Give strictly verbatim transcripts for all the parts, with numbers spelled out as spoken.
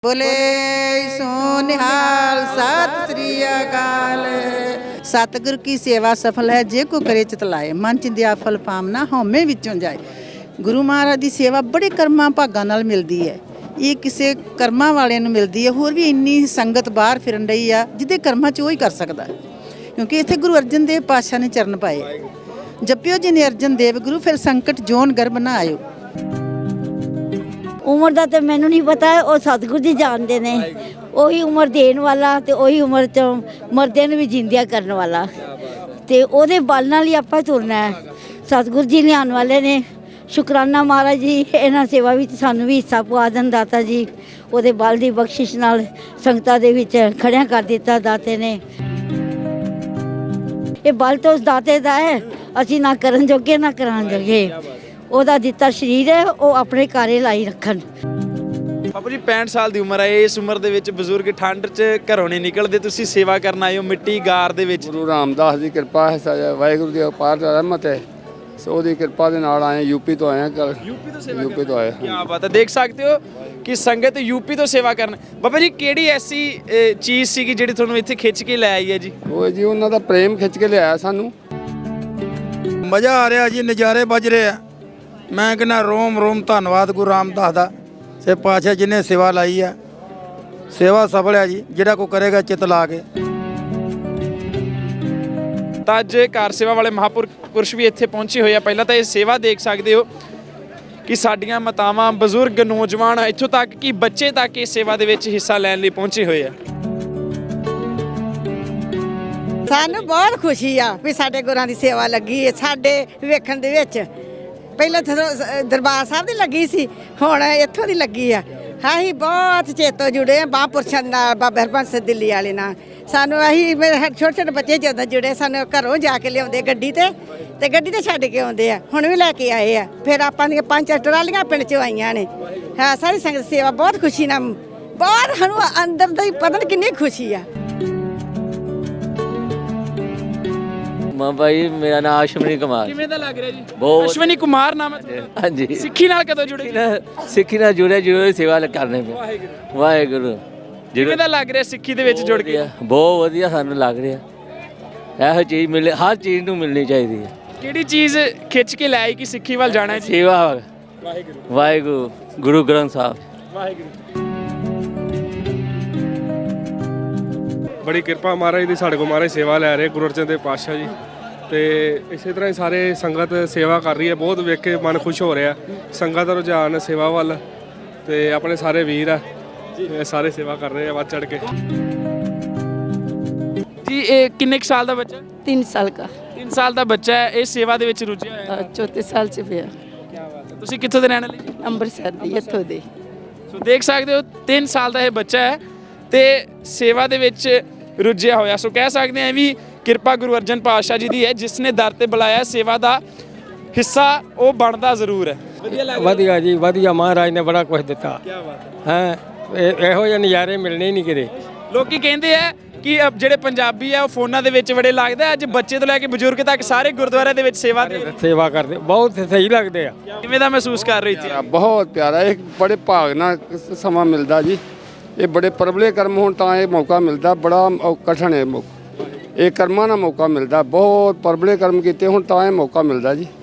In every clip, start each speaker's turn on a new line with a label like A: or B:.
A: बोले सो निहाल सत श्री अकाल। सतगुर की सेवा सफल है जे को करे चितलाए, मन च दिया फल पामना हौमे विचों जाए। गुरु महाराज की सेवा बड़े कर्मां भागां नाल मिलदी है। ये किसी कर्मां वालियां नूं मिलदी है। होर भी इन्नी संगत बाहर फिरन रही आ जिहदे कर्मां च वो ही कर सकदा, क्योंकि इत्थे गुरु अर्जन देव पातशाह ने चरण पाए। जपियो जिने अर्जन देव गुरु फिर संकट जोन गर्भ ना आयो।
B: उम्र का तो मैनू नहीं पता, वो सतगुरु जी जानते ने। ਉਹੀ ਉਮਰ ਦੇਣ ਵਾਲਾ ਤੇ ਉਹੀ ਉਮਰ ਚ ਮਰਦਿਆਂ ਨੂੰ ਵੀ ਜਿੰਦਿਆ ਕਰਨ ਵਾਲਾ, ਤੇ ਉਹਦੇ ਬਲ ਨਾਲ ਹੀ ਆਪਾਂ ਤੁਰਨਾ ਹੈ। ਸਤਿਗੁਰੂ ਜੀ ਲਿਆਉਣ ਵਾਲੇ ਨੇ। ਸ਼ੁਕਰਾਨਾ ਮਹਾਰਾਜ ਜੀ, ਇਹਨਾਂ ਸੇਵਾ ਵਿੱਚ ਸਾਨੂੰ ਵੀ ਹਿੱਸਾ ਪਵਾ ਦੇਣ ਦਾਤਾ ਜੀ। ਉਹਦੇ ਬਲ ਦੀ ਬਖਸ਼ਿਸ਼ ਨਾਲ ਸੰਗਤਾਂ ਦੇ ਵਿੱਚ ਖੜਿਆ ਕਰ ਦਿੱਤਾ ਦਾਤੇ ਨੇ। ਇਹ ਬਲ ਤਾਂ ਉਸ ਦਾਤੇ ਦਾ ਹੈ, ਅਸੀਂ ਨਾ ਕਰਨ ਜੋਗੇ ਨਾ ਕਰਾਉਣ ਜੋਗੇ। ਉਹਦਾ ਦਿੱਤਾ ਸਰੀਰ ਹੈ, ਉਹ ਆਪਣੇ ਘਰੇ ਲਾਈ ਰੱਖਣ।
C: ਬਾਪੂ ਜੀ ਪੈਂਹਠ ਸਾਲ ਦੀ ਉਮਰ ਹੈ। ਇਸ ਉਮਰ ਦੇ ਵਿੱਚ ਬਜ਼ੁਰਗ ਠੰਡ 'ਚ ਘਰੋਂ ਨਹੀਂ ਨਿਕਲਦੇ, ਤੁਸੀਂ ਸੇਵਾ ਕਰਨ ਆਏ ਹੋ ਮਿੱਟੀ ਗਾਰ ਦੇ ਵਿੱਚ।
D: ਗੁਰੂ ਰਾਮਦਾਸ ਦੀ ਕਿਰਪਾ ਹੈ, ਸਾਜਾ ਵਾਹਿਗੁਰੂ ਦੀ ਅਪਾਰ ਰਹਿਮਤ ਹੈ। ਸੋ ਉਹਦੀ ਕਿਰਪਾ ਦੇ ਨਾਲ ਆਏ, ਯੂਪੀ ਤੋਂ ਆਏ ਹਾਂ।
C: ਯੂਪੀ ਤੋਂ ਸੇਵਾ
D: ਯੂਪੀ ਤੋਂ ਆਏ।
C: ਕੀ ਬਾਤ ਹੈ। ਦੇਖ ਸਕਦੇ ਹੋ ਕਿ ਸੰਗਤ ਯੂਪੀ ਤੋਂ ਸੇਵਾ ਕਰਨ। ਬਾਬਾ ਜੀ ਕਿਹੜੀ ਐਸੀ ਅ, ਚੀਜ਼ ਸੀਗੀ ਜਿਹੜੀ ਤੁਹਾਨੂੰ ਇੱਥੇ ਖਿੱਚ ਕੇ ਲੈ ਆਈ ਹੈ ਜੀ?
D: ਉਹ ਜੀ ਉਹਨਾਂ ਦਾ ਪ੍ਰੇਮ ਖਿੱਚ ਕੇ ਲਿਆਇਆ ਸਾਨੂੰ।
E: ਮਜ਼ਾ ਆ ਰਿਹਾ ਜੀ, ਨਜ਼ਾਰੇ ਵੱਜ ਰਹੇ ਆ। ਮੈਂ ਕਹਿੰਦਾ ਰੋਮ ਰੋਮ ਧੰਨਵਾਦ ਗੁਰੂ ਰਾਮਦਾਸ ਦਾ ਸੇ ਪਾਤਸ਼ਾਹ ਜਿਹਨੇ ਸੇਵਾ ਲਾਈ ਆ। ਸੇਵਾ ਸਫਲ ਹੈ ਜੀ, ਜਿਹੜਾ ਕੋ ਕਰੇਗਾ ਚਿੱਤ ਲਾ ਕੇ।
C: ਤਾਂ ਅੱਜ ਕਾਰ ਸੇਵਾ ਵਾਲੇ ਮਹਾਂਪੁਰਸ਼ ਵੀ ਇੱਥੇ ਪਹੁੰਚੇ ਹੋਏ ਆ। ਪਹਿਲਾਂ ਤਾਂ ਇਹ ਸੇਵਾ ਦੇਖ ਸਕਦੇ ਹੋ ਕਿ ਸਾਡੀਆਂ ਮਾਤਾਵਾਂ, ਬਜ਼ੁਰਗ, ਨੌਜਵਾਨ, ਇੱਥੋਂ ਤੱਕ ਕਿ ਬੱਚੇ ਤੱਕ ਇਸ ਸੇਵਾ ਦੇ ਵਿੱਚ ਹਿੱਸਾ ਲੈਣ ਲਈ ਪਹੁੰਚੇ ਹੋਏ ਆ।
F: ਸਾਨੂੰ ਬਹੁਤ ਖੁਸ਼ੀ ਆ ਵੀ ਸਾਡੇ ਗੁਰਾਂ ਦੀ ਸੇਵਾ ਲੱਗੀ ਹੈ। ਸਾਡੇ ਵੇਖਣ ਦੇ ਵਿੱਚ ਪਹਿਲਾਂ ਦਰਬਾਰ ਸਾਹਿਬ ਦੀ ਲੱਗੀ ਸੀ, ਹੁਣ ਇੱਥੋਂ ਦੀ ਲੱਗੀ ਆ। ਅਸੀਂ ਬਹੁਤ ਚੇਤੋ ਜੁੜੇ ਆ ਮਹਾਂਪੁਰਸ਼ਾਂ ਦੇ ਨਾਲ, ਬਾਬਾ ਹਰਬੰਸ ਸਿੰਘ ਦਿੱਲੀ ਵਾਲੇ ਨਾਲ। ਸਾਨੂੰ ਅਸੀਂ ਛੋਟੇ ਛੋਟੇ ਬੱਚੇ ਜਦੋਂ ਜੁੜੇ, ਸਾਨੂੰ ਘਰੋਂ ਜਾ ਕੇ ਲਿਆਉਂਦੇ ਗੱਡੀ ਤੇ ਤੇ ਗੱਡੀ ਤੇ ਛੱਡ ਕੇ ਆਉਂਦੇ ਆ। ਹੁਣ ਵੀ ਲੈ ਕੇ ਆਏ ਆ। ਫਿਰ ਆਪਾਂ ਦੀਆਂ ਪੰਜ ਚਾਰ ਟਰਾਲੀਆਂ ਪਿੰਡ 'ਚੋਂ ਆਈਆਂ ਨੇ। ਹਾਂ, ਸਾਰੀ ਸੰਗਤ ਸੇਵਾ ਬਹੁਤ ਖੁਸ਼ੀ ਨਾਲ, ਬਹੁਤ ਸਾਨੂੰ ਅੰਦਰ ਦਾ ਹੀ ਪਤਾ ਨਹੀਂ ਕਿੰਨੀ ਖੁਸ਼ੀ ਆ।
G: ਮਾਂ ਭਾਈ, ਮੇਰਾ ਨਾਮ ਅਸ਼ਵਨੀ ਕੁਮਾਰ।
C: ਕਿਵੇਂ ਦਾ ਲੱਗ ਰਿਹਾ ਜੀ?
G: ਬਹੁਤ।
C: ਅਸ਼ਵਨੀ ਕੁਮਾਰ ਨਾਮ ਹੈ ਤੁਹਾਡਾ?
G: ਹਾਂਜੀ।
C: ਸਿੱਖੀ ਨਾਲ ਕਦੋਂ ਜੁੜੇ?
G: ਸਿੱਖੀ ਨਾਲ ਜੁੜਿਆ, ਜੁੜੇ ਸੇਵਾ ਕਰਨੇ ਪਏ।
C: ਵਾਹਿਗੁਰੂ
G: ਵਾਹਿਗੁਰੂ।
C: ਕਿਵੇਂ ਦਾ ਲੱਗ ਰਿਹਾ ਸਿੱਖੀ ਦੇ ਵਿੱਚ ਜੁੜ ਕੇ?
G: ਬਹੁਤ ਵਧੀਆ ਸਾਨੂੰ ਲੱਗ ਰਿਹਾ। ਇਹੋ ਚੀਜ਼ ਮਿਲੇ, ਹਰ ਚੀਜ਼ ਨੂੰ ਮਿਲਣੀ ਚਾਹੀਦੀ ਹੈ।
C: ਕਿਹੜੀ ਚੀਜ਼ ਖਿੱਚ ਕੇ ਲੈ ਆਈ ਕਿ ਸਿੱਖੀ ਵੱਲ ਜਾਣਾ ਹੈ ਜੀ?
G: ਸੇਵਾ।
C: ਵਾਹਿਗੁਰੂ
G: ਵਾਹਿਗੁਰੂ। ਗੁਰੂ ਗ੍ਰੰਥ ਸਾਹਿਬ।
C: ਵਾਹਿਗੁਰੂ।
H: ਬੜੀ ਕਿਰਪਾ ਮਹਾਰਾਜ ਦੀ, ਸਾਡੇ ਕੋਲ ਮਹਾਰਾਜ ਸੇਵਾ ਲੈ ਰਹੇ ਗੁਰੂ ਅਰਜਨ ਦੇਵ ਪਾਤਸ਼ਾਹ ਜੀ। ਤੇ ਇਸੇ ਤਰ੍ਹਾਂ ਹੀ ਸਾਰੇ ਸੰਗਤ ਸੇਵਾ ਕਰ ਰਹੀ ਹੈ। ਬਹੁਤ ਵੇਖ ਕੇ ਮਨ ਖੁਸ਼ ਹੋ ਰਿਹਾ। ਸੰਗਤ ਦਾ ਰੁਝਾਨ ਸੇਵਾ ਵੱਲ, ਤੇ ਆਪਣੇ ਸਾਰੇ ਵੀਰ ਆ ਇਹ ਸਾਰੇ ਸੇਵਾ ਕਰ ਰਹੇ ਆ ਵੱਧ ਚੜ ਕੇ।
C: ਜੀ ਇਹ ਕਿੰਨੇ ਕੁ ਸਾਲ ਦਾ ਬੱਚਾ?
I: तीन साल का।
C: ਤਿੰਨ ਸਾਲ ਦਾ ਬੱਚਾ ਹੈ, ਇਹ ਸੇਵਾ ਦੇ ਵਿੱਚ ਰੁੱਝਿਆ ਹੋਇਆ ਹੈ।
I: चौथे साल से पिया।
C: ਕੀ ਬਾਤ ਹੈ। ਤੁਸੀਂ ਕਿੱਥੋਂ ਦੇ ਰਹਿਣ ਵਾਲੇ?
I: ਅੰਮ੍ਰਿਤਸਰ ਦੀ ਇੱਥੋਂ ਦੇ।
C: ਸੋ ਦੇਖ ਸਕਦੇ ਹੋ ਤਿੰਨ ਸਾਲ ਦਾ ਇਹ ਬੱਚਾ ਹੈ ਤੇ ਸੇਵਾ ਦੇ ਵਿੱਚ ਰੁੱਝਿਆ ਹੋਇਆ। ਸੋ ਕਹਿ ਸਕਦੇ ਹਾਂ ਵੀ ਕਿਰਪਾ ਗੁਰੂ ਅਰਜਨ ਪਾਤਸ਼ਾਹ ਜੀ ਦੀ ਹੈ, ਜਿਸ ਨੇ ਦਰ ਤੇ ਬੁਲਾਇਆ। ਸੇਵਾ ਦਾ ਹਿੱਸਾ ਉਹ ਬਣਦਾ ਜ਼ਰੂਰ ਹੈ। ਵਧੀਆ ਲੱਗ ਰਿਹਾ?
J: ਵਧੀਆ ਜੀ, ਵਧੀਆ। ਮਹਾਰਾਜ ਨੇ ਬੜਾ ਕੁਝ ਦਿੱਤਾ
C: ਕੀ ਬਾਤ
J: ਹੈ। ਇਹੋ ਜਿਹੇ ਨਜ਼ਾਰੇ ਮਿਲਣੇ ਹੀ ਨਹੀਂ ਕਿਤੇ।
C: ਲੋਕੀ ਕਹਿੰਦੇ ਆ ਕਿ ਅਹ ਜਿਹੜੇ ਪੰਜਾਬੀ ਆ ਉਹ ਫੋਨਾਂ ਦੇ ਵਿੱਚ ਬੜੇ ਲੱਗਦਾ। ਅੱਜ ਬੱਚੇ ਤੋਂ ਲੈ ਕੇ ਬਜ਼ੁਰਗ ਤੱਕ ਸਾਰੇ ਗੁਰਦੁਆਰੇ ਦੇ ਵਿੱਚ ਸੇਵਾ ਦੇ
J: ਸੇਵਾ ਕਰਦੇ, ਬਹੁਤ ਸਹੀ ਲੱਗਦੇ ਆ।
C: ਕਿਵੇਂ ਦਾ ਮਹਿਸੂਸ ਕਰ ਰਹੀ ਸੀ?
D: ਬਹੁਤ ਪਿਆਰਾ। ਇਹ ਬੜੇ ਭਾਗ ਨਾਲ ਸਮਾਂ ਮਿਲਦਾ ਜੀ। ਇਹ ਬੜੇ ਪਰਬਲੇ ਕਰਮ ਹੋਣ ਤਾਂ ਇਹ ਮੌਕਾ ਮਿਲਦਾ। ਬੜਾ ਕਠਿਨ ਹੈ ਮੌਕਾ, ਇਹ ਕਰਮਾਂ ਦਾ ਮੌਕਾ ਮਿਲਦਾ। ਬਹੁਤ ਪਰਬਲੇ ਕਰਮ ਕੀਤੇ ਹੁਣ ਤਾਂ ਇਹ ਮੌਕਾ ਮਿਲਦਾ ਜੀ।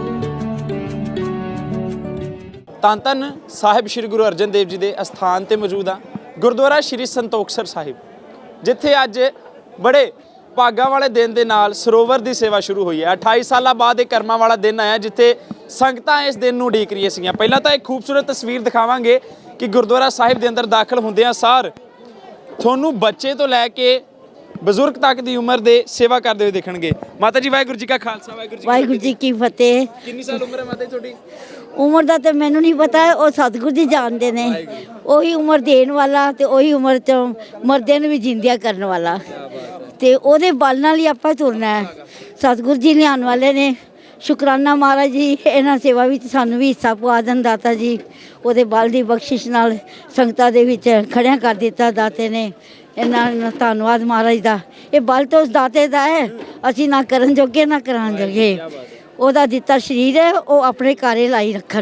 C: ਧੰਨ ਧੰਨ ਸਾਹਿਬ ਸ੍ਰੀ ਗੁਰੂ ਅਰਜਨ ਦੇਵ ਜੀ ਦੇ ਅਸਥਾਨ ਤੇ ਮੌਜੂਦ ਆ, ਗੁਰਦੁਆਰਾ ਸ੍ਰੀ ਸੰਤੋਖਸਰ ਸਾਹਿਬ, ਜਿੱਥੇ ਅੱਜ ਬੜੇ ਭਾਗਾਂ ਵਾਲੇ ਦਿਨ ਦੇ ਨਾਲ ਸਰੋਵਰ ਦੀ ਸੇਵਾ ਸ਼ੁਰੂ ਹੋਈ ਹੈ। ਅਠਾਈ ਸਾਲਾਂ ਬਾਅਦ ਇਹ ਕਰਮਾਂ ਵਾਲਾ ਦਿਨ ਆਇਆ ਜਿੱਥੇ ਸੰਗਤਾਂ ਇਸ ਦਿਨ ਨੂੰ ਉਡੀਕ ਰਹੀਆਂ ਸੀਗੀਆਂ। ਪਹਿਲਾਂ ਤਾਂ ਇੱਕ ਖੂਬਸੂਰਤ ਤਸਵੀਰ ਦਿਖਾਵਾਂਗੇ ਕਿ ਗੁਰਦੁਆਰਾ ਸਾਹਿਬ ਦੇ ਅੰਦਰ ਦਾਖਲ ਹੁੰਦਿਆਂ ਸਾਰ ਤੁਹਾਨੂੰ ਬੱਚੇ ਤੋਂ ਲੈ ਕੇ ਬਜ਼ੁਰਗ ਤੱਕ ਦੀ ਉਮਰ ਦੇ ਸੇਵਾ ਕਰਦੇ ਹੋਏ ਦੇਖਣਗੇ। ਮਾਤਾ ਜੀ ਵਾਹਿਗੁਰੂ ਜੀ ਕਾ ਖਾਲਸਾ, ਵਾਹਿਗੁਰੂ ਜੀ
B: ਵਾਹਿਗੁਰੂ ਜੀ ਕੀ ਫਤਿਹ।
C: ਕਿੰਨੀ ਸਾਲ ਉਮਰ ਹੈ ਮਾਤਾ ਜੀ ਤੁਹਾਡੀ?
B: ਉਮਰ ਦਾ ਤਾਂ ਮੈਨੂੰ ਨਹੀਂ ਪਤਾ, ਉਹ ਸਤਿਗੁਰੂ ਜੀ ਜਾਣਦੇ ਨੇ। ਉਹੀ ਉਮਰ ਦੇਣ ਵਾਲਾ ਤੇ ਉਹੀ ਉਮਰ ਚ ਮਰਦਿਆਂ ਨੂੰ ਵੀ ਜਿੰਦਿਆ ਕਰਨ ਵਾਲਾ, ਤੇ ਉਹਦੇ ਬਲ ਨਾਲ ਹੀ ਆਪਾਂ ਤੁਰਨਾ ਹੈ। ਸਤਿਗੁਰੂ ਜੀ ਲਿਆਉਣ ਵਾਲੇ ਨੇ। ਸ਼ੁਕਰਾਨਾ ਮਹਾਰਾਜ ਜੀ, ਇਹਨਾਂ ਸੇਵਾ ਵਿੱਚ ਸਾਨੂੰ ਵੀ ਹਿੱਸਾ ਪਵਾ ਦੇਣ ਦਾਤਾ ਜੀ। ਉਹਦੇ ਬਲ ਦੀ ਬਖਸ਼ਿਸ਼ ਨਾਲ ਸੰਗਤਾਂ ਦੇ ਵਿੱਚ ਖੜਿਆ ਕਰ ਦਿੱਤਾ ਦਾਤੇ ਨੇ। ਇਹਨਾਂ ਨੂੰ ਧੰਨਵਾਦ ਮਹਾਰਾਜ ਦਾ। ਇਹ ਬਲ ਤਾਂ ਉਸ ਦਾਤੇ ਦਾ ਹੈ, ਅਸੀਂ ਨਾ ਕਰਨ ਜੋਗੇ ਨਾ ਕਰਾਉਣ ਜੋਗੇ। ਉਹਦਾ ਦਿੱਤਾ ਸਰੀਰ ਹੈ, ਉਹ ਆਪਣੇ ਘਰੇ ਲਾਈ ਰੱਖਣ।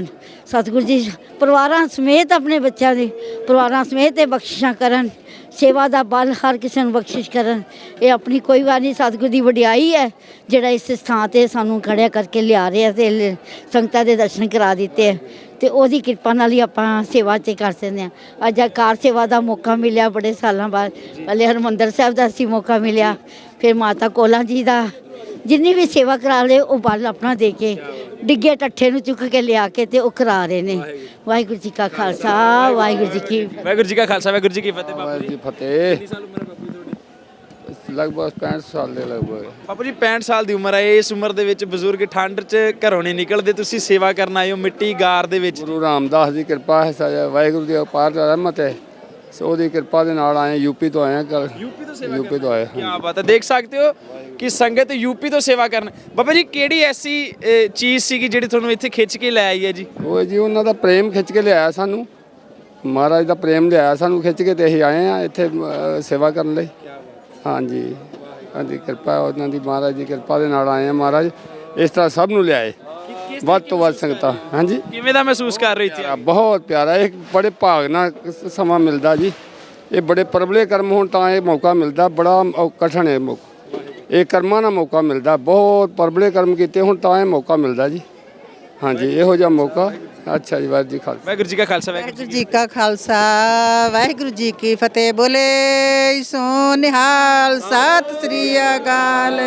B: ਸਤਿਗੁਰੂ ਜੀ ਪਰਿਵਾਰਾਂ ਸਮੇਤ ਆਪਣੇ ਬੱਚਿਆਂ ਦੇ ਪਰਿਵਾਰਾਂ ਸਮੇਤ ਇਹ ਬਖਸ਼ਿਸ਼ਾਂ ਕਰਨ, ਸੇਵਾ ਦਾ ਬਲ ਹਰ ਕਿਸੇ ਨੂੰ ਬਖਸ਼ਿਸ਼ ਕਰਨ। ਇਹ ਆਪਣੀ ਕੋਈ ਵਾਰ ਨਹੀਂ, ਸਤਿਗੁਰੂ ਦੀ ਵਡਿਆਈ ਹੈ ਜਿਹੜਾ ਇਸ ਥਾਂ ਤੇ ਸਾਨੂੰ ਖੜਿਆ ਕਰਕੇ ਲਿਆ ਰਿਹਾ ਤੇ ਲ- ਸੰਗਤਾਂ ਦੇ ਦਰਸ਼ਨ ਕਰਾ ਦਿੱਤੇ ਹੈ ਤੇ ਉਹਦੀ ਕਿਰਪਾ ਨਾਲ ਹੀ ਆਪਾਂ ਸੇਵਾ 'ਚ ਕਰ ਸਕਦੇ ਹਾਂ। ਅੱਜ ਆ ਕਾਰ ਸੇਵਾ ਦਾ ਮੌਕਾ ਮਿਲਿਆ ਬੜੇ ਸਾਲਾਂ ਬਾਅਦ। ਪਹਿਲੇ ਹਰਿਮੰਦਰ ਸਾਹਿਬ ਦਾ ਅਸੀਂ ਮੌਕਾ ਮਿਲਿਆ, ਫਿਰ ਮਾਤਾ ਕੋਲਾਂ ਜੀ ਦਾ। ਜਿੰਨੀ ਵੀ ਸੇਵਾ ਕਰਾ ਲਏ ਉਹ ਬਲ ਆਪਣਾ ਦੇ ਕੇ ਡਿੱਗੇ ਟੱਠੇ ਨੂੰ ਚੁੱਕ ਕੇ ਲਿਆ ਕੇ ਤੇ ਉਹ ਕਰਾ ਰਹੇ ਨੇ। ਵਾਹਿਗੁਰੂ ਜੀ ਕਾ ਖਾਲਸਾ, ਵਾਹਿਗੁਰੂ ਜੀ ਕੀ ਫਤਿਹ।
C: ਵਾਹਿਗੁਰੂ ਜੀ ਕਾ ਖਾਲਸਾ, ਵਾਹਿਗੁਰੂ ਜੀ ਕੀ ਫਤਿਹ। ਬਾਪੂ
D: ਵਾਹਿਗੁਰੂ
C: ਜੀ
D: ਜੀ ਫਤਿਹ।
C: ਕਿੰਨੀ ਸਾਲ ਉਮਰ ਹੈ ਬਾਪੂ ਜੀ ਤੁਹਾਡੀ?
D: ਲਗਭਗ ਪੈਂਹਠ ਸਾਲ ਦੇ ਲਗਭਗ।
C: ਬਾਪੂ ਜੀ ਪੈਂਹਠ ਸਾਲ ਦੀ ਉਮਰ ਹੈ। ਇਸ ਉਮਰ ਦੇ ਵਿੱਚ ਬਜ਼ੁਰਗ ਠੰਡ 'ਚ ਘਰੋਂ ਨਹੀਂ ਨਿਕਲਦੇ, ਤੁਸੀਂ ਸੇਵਾ ਕਰਨ ਆਏ ਹੋ ਮਿੱਟੀ ਗਾਰ ਦੇ ਵਿੱਚ।
D: ਗੁਰੂ ਰਾਮਦਾਸ ਦੀ ਕਿਰਪਾ ਹੈ, ਸਾਜਾ ਵਾਹਿਗੁਰੂ ਦੀ ਅਪਾਰ ਰਹਿਮਤ ਹੈ। ਸੋ ਉਹਦੀ ਕਿਰਪਾ ਦੇ ਨਾਲ ਆਏ, ਯੂਪੀ ਤੋਂ ਆਏ ਕੱਲ।
C: ਯੂਪੀ ਤੋਂ ਸੇਵਾ
D: ਯੂਪੀ ਤੋਂ ਆਏ।
C: ਕੀ ਬਾਤ ਹੈ। ਦੇਖ ਸਕਦੇ ਹੋ ਕਿ ਸੰਗਤ ਯੂਪੀ ਤੋਂ ਸੇਵਾ ਕਰਨ। ਬਾਬਾ ਜੀ ਕਿਹੜੀ ਐਸੀ ਅ, ਚੀਜ਼ ਸੀਗੀ ਜਿਹੜੀ ਤੁਹਾਨੂੰ ਇੱਥੇ ਖਿੱਚ ਕੇ ਲੈ ਆਈ ਹੈ ਜੀ?
D: ਉਹ ਜੀ ਉਹਨਾਂ ਦਾ ਪ੍ਰੇਮ ਖਿੱਚ ਕੇ ਲਿਆਇਆ ਸਾਨੂੰ, ਮਹਾਰਾਜ ਦਾ ਪ੍ਰੇਮ ਲਿਆਇਆ ਸਾਨੂੰ ਖਿੱਚ ਕੇ, ਤੇ ਅਸੀਂ ਆਏ ਆ ਇੱਥੇ ਅ, ਸੇਵਾ ਕਰਨ ਲਈ। ਹਾਂਜੀ ਹਾਂਜੀ, ਕਿਰਪਾ ਉਹਨਾਂ ਦੀ, ਮਹਾਰਾਜ ਦੀ ਕਿਰਪਾ ਦੇ ਨਾਲ ਆਏ ਆ। ਮਹਾਰਾਜ ਇਸ ਤਰ੍ਹਾਂ ਸਭ ਨੂੰ ਲਿਆਏ, ਵੱਧ ਤੋਂ ਵੱਧ ਸੰਗਤਾਂ। ਹਾਂਜੀ,
C: ਕਿਵੇਂ ਦਾ ਮਹਿਸੂਸ ਕਰ ਰਹੀ ਸੀ?
D: ਬਹੁਤ ਪਿਆਰਾ, ਇਹ ਬੜੇ ਭਾਗ ਨਾਲ ਸਮਾਂ ਮਿਲਦਾ ਜੀ। ਇਹ ਬੜੇ ਪਰਬਲੇ ਕਰਮ ਹੋਣ ਤਾਂ ਇਹ ਮੌਕਾ ਮਿਲਦਾ, ਬੜਾ ਕਠਿਨ ਹੈ ਮੌਕਾ। ਇਹ ਕਰਮਾਂ ਨਾਲ ਮੌਕਾ ਮਿਲਦਾ, ਬਹੁਤ ਪਰਬਲੇ ਕਰਮ ਕੀਤੇ ਹੁਣ ਤਾਂ ਇਹ ਮੌਕਾ ਮਿਲਦਾ ਜੀ। ਹਾਂਜੀ, ਇਹੋ ਜਿਹਾ ਮੌਕਾ। ਅੱਛਾ ਜੀ, ਵਾਹਿਗੁਰੂ ਜੀ ਖਾਲਸਾ।
C: ਵਾਹਿਗੁਰੂ ਜੀ ਕਾ ਖਾਲਸਾ, ਵਾਹਿਗੁਰੂ
A: ਵਾਹਿਗੁਰੂ ਜੀ ਕਾ ਖਾਲਸਾ, ਵਾਹਿਗੁਰੂ ਜੀ ਕੀ ਫਤਿਹ। ਬੋਲੇ ਸੋ ਨਿਹਾਲ, ਸਤਿ ਸ੍ਰੀ ਅਕਾਲ।